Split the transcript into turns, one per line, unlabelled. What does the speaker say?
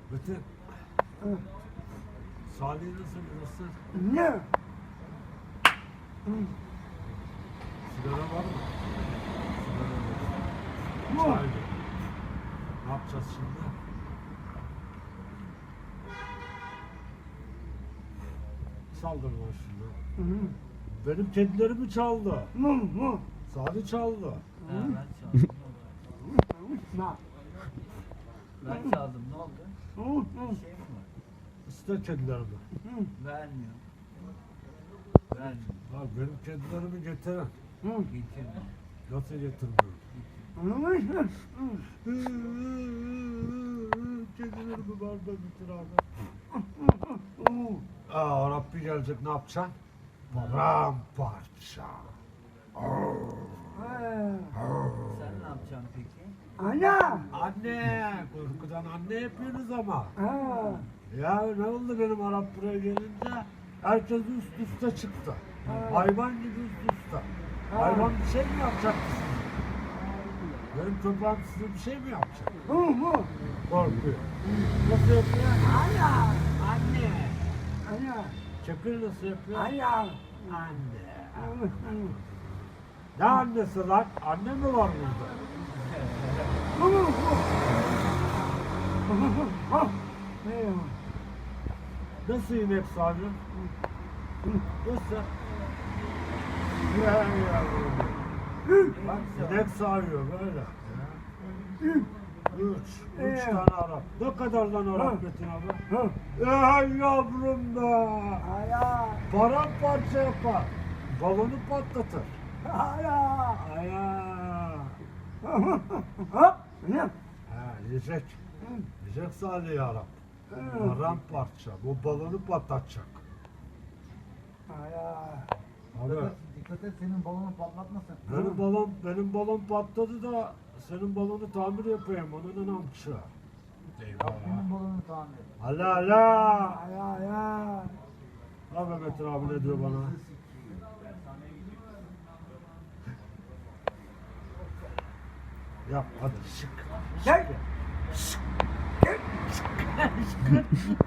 Metin. Salih'i nasıl biliyorsun?
Ne?
Sigara var mı?
Bu.
Sigara var. Çay. Ne yapacağız şimdi? Saldır lan şunu. Benim kedilerimi çaldı.
Mu.
Salih çaldı.
Ha, ben çaldım.
Na.
Ben çaldım. Ne oldu? Bir şey mi var?
İste kedilerimi.
Vermiyor. Vermiyor.
Ha, benim kedilerimi getirin.
Getirme.
Nasıl getirmiyorum? Kedilerimi var da bitir abi. Aa, Rabbi gelecek, ne yapacaksın? Paramparça.
Sen ne yapacaksın peki?
Ana.
Anne, korkudan anne yapıyorsunuz ama.
Ha.
Ya ne oldu benim Arap buraya gelince? Herkes üst üste çıktı. Hayvan gibi üst üste. Hayvan bir şey mi yapacak size? Benim köpeğim size bir şey mi yapacak? Korkuyor. Nasıl yapıyor?
Ana.
Anne.
Ana.
Çakır nasıl yapıyor?
Ana.
Anne. Ne annesi lan? Anne mi var burada? Nasıl inek sağıyor? Nasıl? Ya yavrum. Bak inek sağıyor böyle. Üç tane Arap. Ne kadar lan Arap Metin abi? Ey yavrum be!
Ana.
Paramparça yapar. Balonu patlatır.
Ana.
Aya.
Ne?
Ha, yiyecek. Yiyecek Salih Arap. Paramparça. Bu balonu patlatacak. Abi.
Dikkat et senin balonu patlatmasın.
Benim balon patladı da senin balonu tamir yapayım. Onun namçı.
Yap
Eyvah.
senin balonu tamir.
Hala hala.
Ana.
Ne Mehmet abi ne diyor bana? Yap hadi şık.
Gel.
Şık.